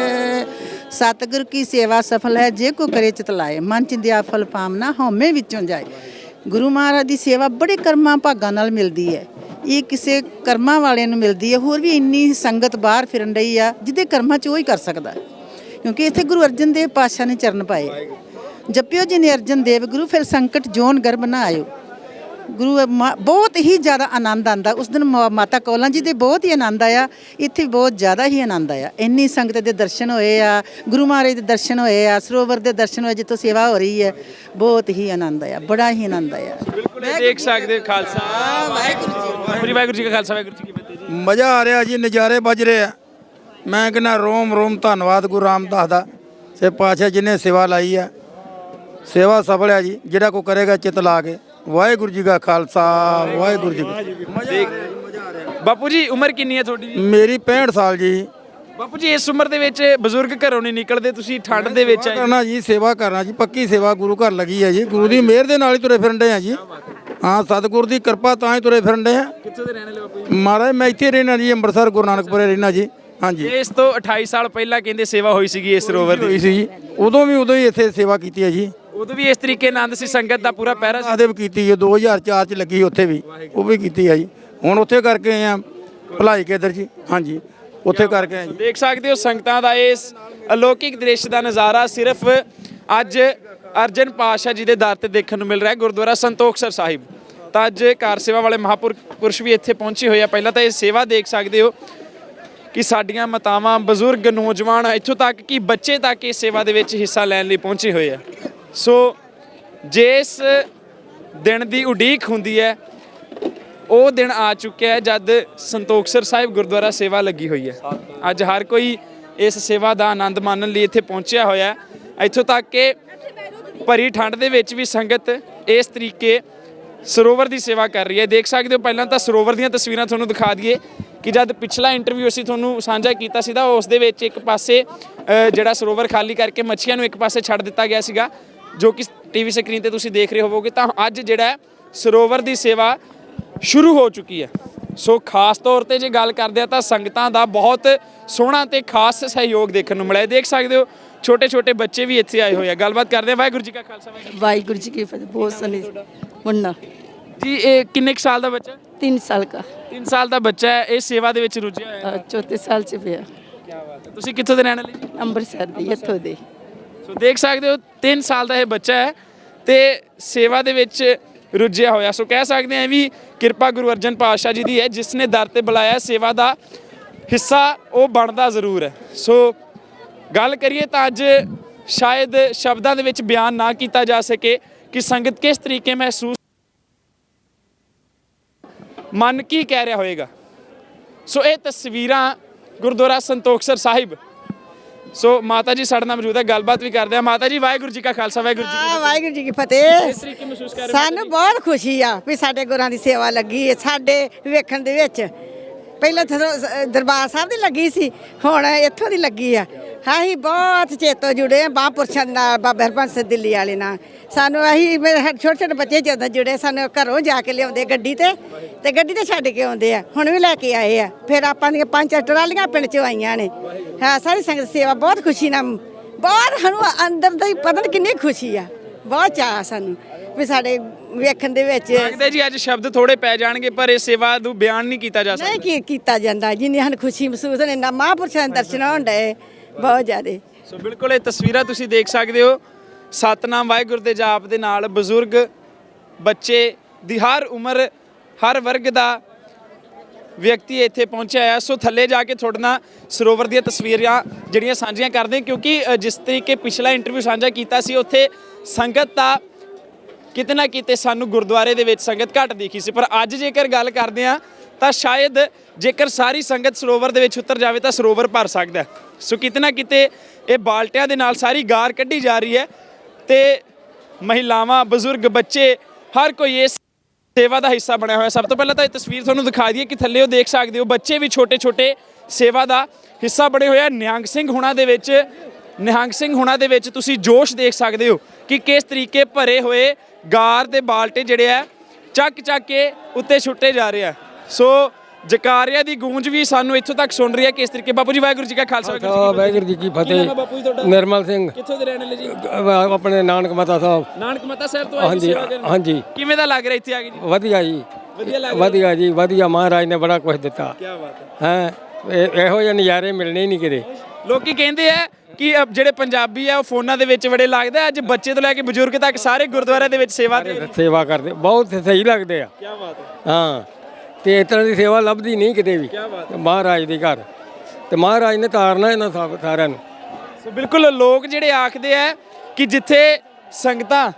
A: ਸਤਿਗੁਰ ਕੀ ਸੇਵਾ ਸਫਲ ਹੈ ਜੇ ਕੋ ਕਰੇ ਚਿਤ ਲਾਏ, ਮਨ ਚਿੰਦਿਆ ਫਲ ਪਾਮਨਾ ਹਉਮੈ ਵਿੱਚੋਂ ਜਾਏ। ਗੁਰੂ ਮਹਾਰਾਜ ਦੀ ਸੇਵਾ ਬੜੇ ਕਰਮਾਂ ਭਾਗਾਂ ਨਾਲ ਮਿਲਦੀ ਹੈ। ਇਹ ਕਿਸੇ ਕਰਮਾਂ ਵਾਲਿਆਂ ਨੂੰ ਮਿਲਦੀ ਹੈ। ਹੋਰ ਵੀ ਇੰਨੀ ਸੰਗਤ ਬਾਹਰ ਫਿਰਨ ਰਹੀ ਆ ਜਿਹਦੇ ਕਰਮਾਂ 'ਚ ਉਹ ਹੀ ਕਰ ਸਕਦਾ, ਕਿਉਂਕਿ ਇੱਥੇ ਗੁਰੂ ਅਰਜਨ ਦੇਵ ਪਾਤਸ਼ਾਹ ਨੇ ਚਰਨ ਪਾਏ। ਜਪਿਓ ਜੀ ਨੇ ਅਰਜਨ ਦੇਵ ਗੁਰੂ, ਫਿਰ ਸੰਕਟ ਜੋਨ ਗਰਭ ਨਾ ਆਇਓ। ਗੁਰੂ ਮਾ- ਬਹੁਤ ਹੀ ਜ਼ਿਆਦਾ ਆਨੰਦ ਆਉਂਦਾ ਉਸ ਦਿਨ। ਮਾ- ਮਾਤਾ ਕੌਲਾਂ ਜੀ ਦੇ ਬਹੁਤ ਹੀ ਆਨੰਦ ਆਇਆ, ਇੱਥੇ ਬਹੁਤ ਜ਼ਿਆਦਾ ਹੀ ਆਨੰਦ ਆਇਆ। ਇੰਨੀ ਸੰਗਤ ਦੇ ਦਰਸ਼ਨ ਹੋਏ ਆ, ਗੁਰੂ ਮਹਾਰਾਜ ਦੇ ਦਰਸ਼ਨ ਹੋਏ ਆ, ਸਰੋਵਰ ਦੇ ਦਰਸ਼ਨ ਹੋਏ ਜਿੱਥੋਂ ਸੇਵਾ ਹੋ ਰਹੀ ਹੈ। ਬਹੁਤ ਹੀ ਆਨੰਦ ਆਇਆ, ਬੜਾ ਹੀ ਆਨੰਦ ਆਇਆ।
C: ਬਿਲਕੁਲ ਇਹ ਦੇਖ ਸਕਦੇ ਹੋ। ਖਾਲਸਾ
A: ਵਾਹਿਗੁਰੂ ਜੀ।
C: ਵਾਹਿਗੁਰੂ ਵਾਹਿਗੁਰੂ ਜੀ ਕਾ ਖਾਲਸਾ, ਵਾਹਿਗੁਰੂ ਜੀ ਕੀ ਫਤਿਹ ਜੀ।
E: ਮਜ਼ਾ ਆ ਰਿਹਾ ਜੀ, ਨਜ਼ਾਰੇ ਵੱਜ ਰਹੇ ਆ। ਮੈਂ ਕਹਿੰਦਾ ਰੋਮ ਰੋਮ ਧੰਨਵਾਦ ਗੁਰੂ ਰਾਮਦਾਸ ਦਾ, ਸੇ ਪਾਤਸ਼ਾਹ ਜਿਹਨੇ ਸੇਵਾ ਲਾਈ ਆ। ਸੇਵਾ ਸਫਲ ਹੈ ਜੀ, ਜਿਹੜਾ ਕੋ ਕਰੇਗਾ ਚਿੱਤ ਲਾ ਕੇ। ਵਾਹਿਗੁਰੂ ਜੀ ਕਾ ਖਾਲਸਾ, ਵਾਹਿਗੁਰੂ ਜੀ ਕੀ ਫਤਿਹ।
C: ਬਾਪੂ ਜੀ ਉਮਰ ਕਿੰਨੀ ਹੈ ਤੁਹਾਡੀ ਜੀ?
E: ਮੇਰੀ ਪੈਂਹਠ ਸਾਲ ਜੀ।
C: ਬਾਪੂ ਜੀ ਇਸ ਉਮਰ ਦੇ ਵਿੱਚ ਬਜ਼ੁਰਗ ਘਰੋਂ ਨਹੀਂ ਨਿਕਲਦੇ, ਤੁਸੀਂ ਠੰਡ ਦੇ ਵਿੱਚ ਆਏ।
E: ਕਰਨਾ ਜੀ, ਸੇਵਾ ਕਰਨਾ ਜੀ, ਪੱਕੀ ਸੇਵਾ ਗੁਰੂ ਘਰ ਲੱਗੀ ਹੈ ਜੀ। ਗੁਰੂ ਦੀ ਮਿਹਰ ਦੇ ਨਾਲ ਹੀ ਤੁਰੇ ਫਿਰਨ ਦੇ ਆ ਜੀ। ਹਾਂ, ਸਤਿਗੁਰ ਦੀ ਕਿਰਪਾ ਤਾਂ ਹੀ ਤੁਰੇ ਫਿਰਨ ਦੇ ਆ।
C: ਕਿੱਥੋਂ ਦੇ ਰਹਿਣ ਵਾਲੇ ਬਾਪੂ ਜੀ?
E: ਮਹਾਰਾਜ ਮੈਂ ਇੱਥੇ ਰਹਿਣਾ ਜੀ, ਅੰਮ੍ਰਿਤਸਰ ਗੁਰੂ ਨਾਨਕਪੁਰੇ ਰਹਿਣਾ ਜੀ। ਹਾਂਜੀ,
C: ਇਸ ਤੋਂ ਅਠਾਈ ਸਾਲ ਪਹਿਲਾਂ ਕਹਿੰਦੇ ਸੇਵਾ ਹੋਈ ਸੀਗੀ ਇਸ ਸਰੋਵਰ ਦੀ।
E: ਹੋਈ ਸੀ ਜੀ, ਉਦੋਂ ਵੀ ਉਦੋਂ ਹੀ ਇੱਥੇ ਸੇਵਾ ਕੀਤੀ ਹੈ ਜੀ।
C: ਉਦੋਂ ਵੀ ਇਸ ਤਰੀਕੇ ਆਨੰਦ ਸੀ, ਸੰਗਤ ਦਾ ਪੂਰਾ ਪਹਿਰਾ ਸੀ।
E: ਆਦੇ ਵੀ ਕੀਤੀ ਹੈ, ਦੋ ਹਜ਼ਾਰ ਚਾਰ ਚ ਲੱਗੀ ਉੱਥੇ ਵੀ, ਉਹ ਵੀ ਕੀਤੀ ਹੈ ਜੀ। ਹੁਣ ਉੱਥੇ ਕਰਕੇ ਆਏ ਆ ਭਲਾਈ ਕੇਦਰ ਜੀ। ਹਾਂਜੀ, ਉੱਥੇ ਕਰਕੇ ਆਏ ਜੀ।
C: ਦੇਖ ਸਕਦੇ ਹੋ ਸੰਗਤਾਂ ਦਾ ਇਸ ਅਲੌਕਿਕ ਦ੍ਰਿਸ਼ ਦਾ ਨਜ਼ਾਰਾ ਸਿਰਫ ਅੱਜ ਅਰਜਨ ਪਾਤਸ਼ਾਹ ਜੀ ਦੇ ਦਰ ਤੇ ਦੇਖਣ ਨੂੰ ਮਿਲ ਰਿਹਾ ਹੈ, ਗੁਰਦੁਆਰਾ ਸੰਤੋਖਸਰ ਸਾਹਿਬ। ਤਾਂ ਅੱਜ ਕਾਰ ਸੇਵਾ ਵਾਲੇ ਮਹਾਂਪੁਰਸ਼ ਵੀ ਇੱਥੇ ਪਹੁੰਚੇ ਹੋਏ ਆ। ਪਹਿਲਾਂ ਤਾਂ ਇਹ ਸੇਵਾ ਦੇਖ ਸਕਦੇ ਹੋ ਕਿ ਸਾਡੀਆਂ ਮਾਤਾਵਾਂ, ਬਜ਼ੁਰਗ, ਨੌਜਵਾਨ, ਇੱਥੋਂ ਤੱਕ ਕਿ ਬੱਚੇ ਤੱਕ ਇਸ ਸੇਵਾ ਦੇ ਵਿੱਚ ਹਿੱਸਾ ਲੈਣ ਲਈ ਪਹੁੰਚੇ ਹੋਏ ਆ। ਸੋ ਜਿਸ ਦਿਨ ਦੀ ਉਡੀਕ ਹੁੰਦੀ ਹੈ ਉਹ ਦਿਨ ਆ ਚੁੱਕਿਆ ਹੈ ਜਦ ਸੰਤੋਖਸਰ ਸਾਹਿਬ ਗੁਰਦੁਆਰਾ ਸੇਵਾ ਲੱਗੀ ਹੋਈ ਹੈ। ਅੱਜ ਹਰ ਕੋਈ ਇਸ ਸੇਵਾ ਦਾ ਆਨੰਦ ਮਾਣਨ ਲਈ ਇੱਥੇ ਪਹੁੰਚਿਆ ਹੋਇਆ ਹੈ। ਇੱਥੋਂ ਤੱਕ ਕਿ ਭਰੀ ਠੰਡ ਦੇ ਵਿੱਚ ਵੀ ਸੰਗਤ ਇਸ ਤਰੀਕੇ ਸਰੋਵਰ ਦੀ ਸੇਵਾ ਕਰ ਰਹੀ ਹੈ। ਦੇਖ ਸਕਦੇ ਹੋ, ਪਹਿਲਾਂ ਤਾਂ ਸਰੋਵਰ ਦੀਆਂ ਤਸਵੀਰਾਂ ਤੁਹਾਨੂੰ ਦਿਖਾ ਦਈਏ ਕਿ ਜਦ ਪਿਛਲਾ ਇੰਟਰਵਿਊ ਅਸੀਂ ਤੁਹਾਨੂੰ ਸਾਂਝਾ ਕੀਤਾ ਸੀ ਤਾਂ ਉਸ ਦੇ ਵਿੱਚ ਇੱਕ ਪਾਸੇ ਅ, ਜਿਹੜਾ ਸਰੋਵਰ ਖਾਲੀ ਕਰਕੇ ਮੱਛੀਆਂ ਨੂੰ ਇੱਕ ਪਾਸੇ ਛੱਡ ਦਿੱਤਾ ਗਿਆ ਸੀਗਾ, ਜੋ ਕਿ ਟੀਵੀ ਸਕਰੀਨ ਤੇ ਤੁਸੀਂ ਦੇਖ ਰਹੇ ਹੋਵੋਗੇ। ਤਾਂ ਅੱਜ ਜਿਹੜਾ ਸਰੋਵਰ ਦੀ ਸੇਵਾ ਸ਼ੁਰੂ ਹੋ ਚੁੱਕੀ ਹੈ। ਸੋ ਖਾਸ ਤੌਰ ਤੇ ਜੇ ਗੱਲ ਕਰਦੇ ਆ ਤਾਂ ਸੰਗਤਾਂ ਦਾ ਬਹੁਤ ਸੋਹਣਾ ਤੇ ਖਾਸ ਸਹਿਯੋਗ ਦੇਖਣ ਨੂੰ ਮਿਲਿਆ। ਦੇਖ ਸਕਦੇ ਹੋ ਛੋਟੇ ਛੋਟੇ ਬੱਚੇ ਵੀ ਇੱਥੇ ਆਏ ਹੋਏ ਆ। ਗੱਲਬਾਤ ਕਰਦੇ ਆ। ਵਾਹਿਗੁਰੂ ਜੀ ਕਾ ਖਾਲਸਾ,
I: वाहिगुरु जी की फतेह। बहुत सनी मुन्ना
C: ਜੀ ਇਹ ਕਿੰਨੇ ਕੁ ਸਾਲ ਦਾ ਬੱਚਾ?
I: तीन साल का,
C: ਤਿੰਨ ਸਾਲ ਦਾ ਬੱਚਾ ਹੈ, ਇਹ ਸੇਵਾ ਦੇ ਵਿੱਚ ਰੁੱਝਿਆ ਹੋਇਆ ਹੈ।
I: अ, चौथे साल च पिया।
C: ਕੀ ਬਾਤ ਹੈ। ਤੁਸੀਂ ਕਿੱਥੋਂ ਦੇ ਰਹਿਣ ਵਾਲੇ ਜੀ?
I: ਅੰਮ੍ਰਿਤਸਰ ਦੀ ਇੱਥੋਂ ਦੇ।
C: ਸੋ ਦੇਖ ਸਕਦੇ ਹੋ ਤਿੰਨ ਸਾਲ ਦਾ ਇਹ ਬੱਚਾ ਹੈ ਤੇ ਸੇਵਾ ਦੇ ਵਿੱਚ ਰੁੱਝਿਆ ਹੋਇਆ। ਸੋ ਕਹਿ ਸਕਦੇ ਹਾਂ ਵੀ ਕਿਰਪਾ ਗੁਰੂ ਅਰਜਨ ਪਾਤਸ਼ਾਹ ਜੀ ਦੀ ਹੈ, ਜਿਸ ਨੇ ਦਰ ਤੇ ਬੁਲਾਇਆ। ਸੇਵਾ ਦਾ ਹਿੱਸਾ ਉਹ ਬਣਦਾ ਜ਼ਰੂਰ ਹੈ। ਸੋ ਗੱਲ ਕਰੀਏ ਤਾਂ ਅੱਜ ਸ਼ਾਇਦ ਸ਼ਬਦਾਂ ਦੇ ਵਿੱਚ ਬਿਆਨ ਨਾ ਕੀਤਾ ਜਾ ਸਕੇ ਕਿ ਸੰਗਤ ਕਿਸ ਤਰੀਕੇ ਮਹਿਸੂਸ, ਮਨ ਕੀ ਕਹਿ ਰਿਹਾ ਹੋਏਗਾ। ਸੋ ਇਹ ਤਸਵੀਰਾਂ ਗੁਰਦੁਆਰਾ ਸੰਤੋਖਸਰ ਸਾਹਿਬ ਸੋ ਮਾਤਾ ਜੀ ਸਾਡੇ ਨਾਲ ਮੌਜੂਦ ਹੈ, ਗੱਲਬਾਤ ਵੀ ਕਰਦੇ ਆ। ਮਾਤਾ ਜੀ ਵਾਹਿਗੁਰੂ ਜੀ ਕਾ ਖਾਲਸਾ ਵਾਹਿਗੁਰੂ ਜੀ ਕੀ
F: ਆ ਵਾਹਿਗੁਰੂ ਜੀ ਕੀ ਫਤਿਹ।
C: ਤਰੀਕੇ ਮਹਿਸੂਸ ਕਰ ਰਹੇ ਹੋ?
F: ਸਾਨੂੰ ਬਹੁਤ ਖੁਸ਼ੀ ਆ ਵੀ ਸਾਡੇ ਗੁਰਾਂ ਦੀ ਸੇਵਾ ਲੱਗੀ ਹੈ ਸਾਡੇ ਵੇਖਣ ਦੇ ਵਿੱਚ। ਪਹਿਲਾਂ ਤਾਂ ਦਰਬਾਰ ਸਾਹਿਬ ਦੀ ਲੱਗੀ ਸੀ, ਹੁਣ ਇੱਥੋਂ ਦੀ ਲੱਗੀ ਆ। ਅਸੀਂ ਬਹੁਤ ਚੇਤੋ ਜੁੜੇ ਆ ਮਹਾਂਪੁਰਸ਼ਾਂ ਦੇ ਨਾਲ, ਬਾਬਾ ਹਰਬੰਸ ਸਿੰਘ ਦਿੱਲੀ ਵਾਲੇ ਨਾਲ। ਸਾਨੂੰ ਅਸੀਂ ਮੇਰੇ ਛੋਟੇ ਛੋਟੇ ਬੱਚੇ ਜਦੋਂ ਜੁੜੇ, ਸਾਨੂੰ ਘਰੋਂ ਜਾ ਕੇ ਲਿਆਉਂਦੇ ਗੱਡੀ ਤੇ ਤੇ ਗੱਡੀ ਤੇ ਛੱਡ ਕੇ ਆਉਂਦੇ ਆ। ਹੁਣ ਵੀ ਲੈ ਕੇ ਆਏ ਆ। ਫਿਰ ਆਪਾਂ ਦੀਆਂ ਪੰਜ ਚਾਰ ਟਰਾਲੀਆਂ ਪਿੰਡ ਚੋਂ ਆਈਆਂ ਨੇ। ਹਾਂ, ਸਾਰੀ ਸੰਗਤ ਸੇਵਾ ਬਹੁਤ ਖੁਸ਼ੀ ਨਾਲ, ਬਹੁਤ ਸਾਨੂੰ ਅੰਦਰ ਦਾ ਹੀ ਪਤਾ ਨਹੀਂ ਕਿੰਨੀ ਖੁਸ਼ੀ ਆ। ਬਹੁਤ ਚਾਅ ਸਾਨੂੰ ਵੀ ਸਾਡੇ ਵੇਖਣ ਦੇ ਵਿੱਚ।
C: ਲੱਗਦਾ ਜੀ ਅੱਜ ਸ਼ਬਦ ਥੋੜੇ ਪੈ ਜਾਣਗੇ ਪਰ ਇਹ ਸੇਵਾ ਨੂੰ ਬਿਆਨ ਨਹੀਂ ਕੀਤਾ ਜਾ ਸਕਦਾ।
F: ਨਹੀਂ ਕੀ ਕੀਤਾ ਜਾਂਦਾ, ਜਿੰਨੀ ਸਾਨੂੰ ਖੁਸ਼ੀ ਮਹਿਸੂਸ ਹੋਣੀ ਨਾ ਮਹਾਂਪੁਰਸ਼ਾਂ ਦੇ ਦਰਸ਼ਨ ਹੋਣ ਡਏ ਬਹੁਤ ਜ਼ਿਆਦੇ।
C: ਸੋ ਬਿਲਕੁਲ ਇਹ ਤਸਵੀਰਾਂ ਤੁਸੀਂ ਦੇਖ ਸਕਦੇ ਹੋ। ਸਤਨਾਮ ਵਾਹਿਗੁਰੂ ਦੇ ਜਾਪ ਦੇ ਨਾਲ ਬਜ਼ੁਰਗ, ਬੱਚੇ ਦੀ ਹਰ ਉਮਰ, ਹਰ ਵਰਗ ਦਾ ਵਿਅਕਤੀ ਇੱਥੇ ਪਹੁੰਚਿਆ ਹੈ। ਸੋ ਥੱਲੇ ਜਾ ਕੇ ਤੁਹਾਡੇ ਨਾਲ ਸਰੋਵਰ ਦੀਆਂ ਤਸਵੀਰਾਂ ਜਿਹੜੀਆਂ ਸਾਂਝੀਆਂ ਕਰਦੇ ਹਾਂ, ਕਿਉਂਕਿ ਅ, ਜਿਸ ਤਰੀਕੇ ਪਿਛਲਾ ਇੰਟਰਵਿਊ ਸਾਂਝਾ ਕੀਤਾ ਸੀ ਉੱਥੇ ਸੰਗਤ ਦਾ ਕਿਤੇ ਨਾ ਕਿਤੇ ਸਾਨੂੰ ਗੁਰਦੁਆਰੇ ਦੇ ਵਿੱਚ ਸੰਗਤ ਘੱਟ ਦਿਖੀ ਸੀ, ਪਰ ਅੱਜ ਜੇਕਰ ਗੱਲ ਕਰਦੇ ਹਾਂ ਤਾਂ ਸ਼ਾਇਦ ਜੇਕਰ ਸਾਰੀ ਸੰਗਤ ਸਰੋਵਰ ਦੇ ਵਿੱਚ ਉਤਰ ਜਾਵੇ ਤਾਂ ਸਰੋਵਰ ਭਰ ਸਕਦਾ। ਸੋ ਕਿਤੇ ਨਾ ਕਿਤੇ ਇਹ ਬਾਲਟਿਆਂ ਦੇ ਨਾਲ ਸਾਰੀ ਗਾਰ ਕੱਢੀ ਜਾ ਰਹੀ ਹੈ ਤੇ ਮਹਿਲਾਵਾਂ, ਬਜ਼ੁਰਗ, ਬੱਚੇ ਹਰ ਕੋਈ ਇਸ ਸੇਵਾ ਦਾ ਹਿੱਸਾ ਬਣਿਆ ਹੋਇਆ। ਸਭ ਤੋਂ ਪਹਿਲਾਂ ਤਾਂ ਇਹ ਤਸਵੀਰ ਤੁਹਾਨੂੰ ਦਿਖਾ ਦਈਏ ਕਿ ਥੱਲੇ ਉਹ ਦੇਖ ਸਕਦੇ ਹੋ ਬੱਚੇ ਵੀ ਛੋਟੇ ਛੋਟੇ ਸੇਵਾ ਦਾ ਹਿੱਸਾ ਬਣੇ ਹੋਏ ਆ। ਨਿਹੰਗ ਸਿੰਘ ਹੁਣਾਂ ਦੇ ਵਿੱਚ ਨਿਹੰਗ ਸਿੰਘ ਹੁਣਾਂ ਦੇ ਵਿੱਚ ਤੁਸੀਂ ਜੋਸ਼ ਦੇਖ ਸਕਦੇ ਹੋ ਕਿ ਕਿਸ ਤਰੀਕੇ ਭਰੇ ਹੋਏ ਗਾਰ ਦੇ ਬਾਲਟੇ ਜਿਹੜੇ ਆ ਚੱਕ ਚੱਕ ਕੇ ਉੱਤੇ ਛੁੱਟੇ ਜਾ ਰਹੇ ਆ। ਸੋ ਜਕਾਰਿਆਂ ਦੀ ਗੂੰਜ ਵੀ ਸਾਨੂੰ ਇੱਥੋਂ ਤੱਕ ਸੁਣ ਰਹੀ ਹੈ ਕਿਸ ਤਰੀਕੇ। ਬਾਪੂ ਜੀ ਵਾਹਿਗੁਰੂ ਜੀ ਕਾ ਖਾਲਸਾ
J: ਵਾਹਿਗੁਰੂ ਜੀ ਕੀ ਫਤਿਹ।
C: ਬਾਪੂ ਜੀ ਤੁਹਾਡਾ
J: ਨਿਰਮਲ ਸਿੰਘ,
C: ਕਿੱਥੋਂ ਦੇ ਰਹਿਣ ਵਾਲੇ ਜੀ?
J: ਆਪਣੇ ਨਾਨਕ ਮਾਤਾ ਸਾਹਿਬ।
C: ਨਾਨਕ ਮੱਤਾ ਸਾਹਿਬ ਤੋਂ ਆਏ
J: ਹਾਂਜੀ
C: ਸੇਵਾ ਕਰਨ?
J: ਹਾਂਜੀ।
C: ਕਿਵੇਂ ਦਾ ਲੱਗ ਰਿਹਾ ਇੱਥੇ ਆ ਕੇ ਜੀ?
J: ਵਧੀਆ ਜੀ,
C: ਵਧੀਆ ਲੱਗ ਰਿਹਾ?
J: ਵਧੀਆ ਜੀ, ਵਧੀਆ। ਮਹਾਰਾਜ ਨੇ ਬੜਾ ਕੁਝ ਦਿੱਤਾ
C: ਕੀ ਬਾਤ ਹੈ।
J: ਹੈ। ਇਹੋ ਜਿਹੇ ਨਜ਼ਾਰੇ ਮਿਲਣੇ ਹੀ ਨਹੀਂ ਕਿਤੇ।
C: ਲੋਕੀ ਕਹਿੰਦੇ ਆ ਕਿ ਅ, ਜਿਹੜੇ ਪੰਜਾਬੀ ਆ ਉਹ ਫੋਨਾਂ ਦੇ ਵਿੱਚ ਬੜੇ ਲੱਗਦੇ ਆ। ਅੱਜ ਬੱਚੇ ਤੋਂ ਲੈ ਕੇ ਬਜ਼ੁਰਗ ਤੱਕ ਸਾਰੇ ਗੁਰਦੁਆਰਿਆਂ ਦੇ ਵਿੱਚ ਸੇਵਾ ਦੇ ਰਹੇ।
J: ਸੇਵਾ ਕਰਦੇ ਬਹੁਤ ਸਹੀ ਲੱਗਦੇ ਆ।
C: ਕੀ ਬਾਤ ਹੈ।
J: ਹਾਂ, ਤੇ ਇਸ ਤਰ੍ਹਾਂ ਦੀ ਸੇਵਾ ਲੱਭਦੀ ਨਹੀਂ ਕਿਤੇ ਵੀ ਮਹਾਰਾਜ ਦੇ ਘਰ, ਤੇ ਮਹਾਰਾਜ ਨੇ ਤਾਰਨਾ ਇਹਨਾਂ ਸਭ ਸਾਰਿਆਂ ਨੂੰ।
C: ਸੋ ਬਿਲਕੁਲ ਲੋਕ ਜਿਹੜੇ ਆਖਦੇ ਆ ਕਿ ਜਿੱਥੇ ਸੰਗਤਾਂ